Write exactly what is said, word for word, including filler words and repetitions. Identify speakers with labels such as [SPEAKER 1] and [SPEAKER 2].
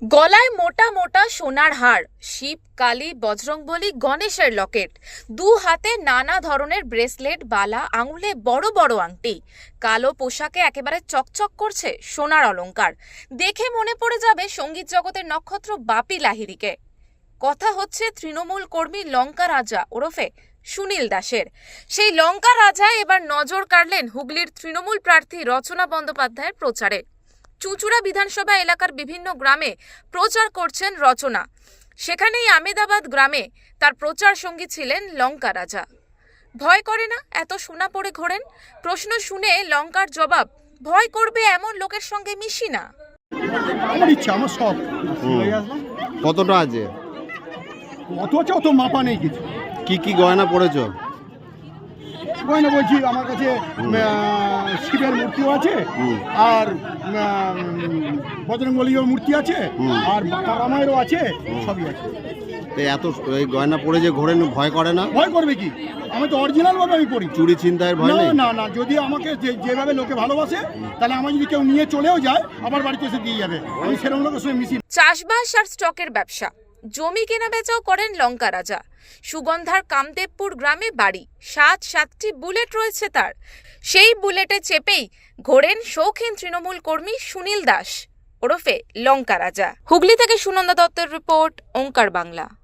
[SPEAKER 1] গলায় মোটা মোটা সোনার হার, শিব, কালী, বজরংবলী, গণেশের লকেট, দু হাতে নানা ধরনের ব্রেসলেট, বালা, আঙুলে বড় বড় আংটি, কালো পোশাকে একেবারে চকচক করছে সোনার অলংকার। দেখে মনে পড়ে যাবে সঙ্গীত জগতের নক্ষত্র বাপি লাহিড়ীকে। কথা হচ্ছে তৃণমূল কর্মী লঙ্কা রাজা ওরফে সুনীল দাসের। সেই লঙ্কা রাজা এবার নজর কাড়লেন হুগলির তৃণমূল প্রার্থী রচনা বন্দ্যোপাধ্যায়ের প্রচারে। চুঁচুড়া বিধানসভা এলাকার বিভিন্ন গ্রামে প্রচার করছেন রচনা। সেখানেই আমেদাবাদ গ্রামে তার প্রচার সঙ্গী ছিলেন লঙ্কা রাজা। ভয় করে না এত সোনা পড়ে ঘোরেন? প্রশ্ন শুনে লঙ্কার জবাব, ভয় করবে এমন লোকের সঙ্গে মিশি না।
[SPEAKER 2] আমার ইচ্ছা, আমার শখ।
[SPEAKER 3] কতটা আছে?
[SPEAKER 2] অত আছে, অত মাপা নেই কিছু।
[SPEAKER 3] কি কি গয়না পড়েছো?
[SPEAKER 2] গয়না বলছি, আমার কাছে আহ, শিবের মূর্তিও আছে, আর বজরংবলীর মূর্তি আছে, আর তারামায়েরও আছে, সবই আছে।
[SPEAKER 3] তো এত এই গয়না পড়ে যে ঘোরেন, ভয় করে না?
[SPEAKER 2] ভয় করবে কি, আমি তো অরিজিনাল ভাবে আমি করি।
[SPEAKER 3] চুরি ছিনতাইয়ের ভয়
[SPEAKER 2] না
[SPEAKER 3] নেই?
[SPEAKER 2] না না, যদি আমাকে যে- যেভাবে লোকে ভালোবাসে, তাহলে আমার যদি কেউ নিয়ে চলেও যায়, আমার বাড়িতে এসে দিয়ে যাবে। আমি সেরকম লোকের সঙ্গে মিশি।
[SPEAKER 1] চাষবাস আর স্টকের ব্যবসা, জমি কেনা বেচাও করেন লঙ্কা রাজা। সুগন্ধার কামদেবপুর গ্রামে বাড়ি, সাত সাতটি বুলেট রয়েছে তার। সেই বুলেটে চেপেই ঘোরেন শৌখিন তৃণমূল কর্মী সুনীল দাস ওরফে লঙ্কা রাজা। হুগলি থেকে সুনন্দা দত্তের রিপোর্ট, ওঙ্কার বাংলা।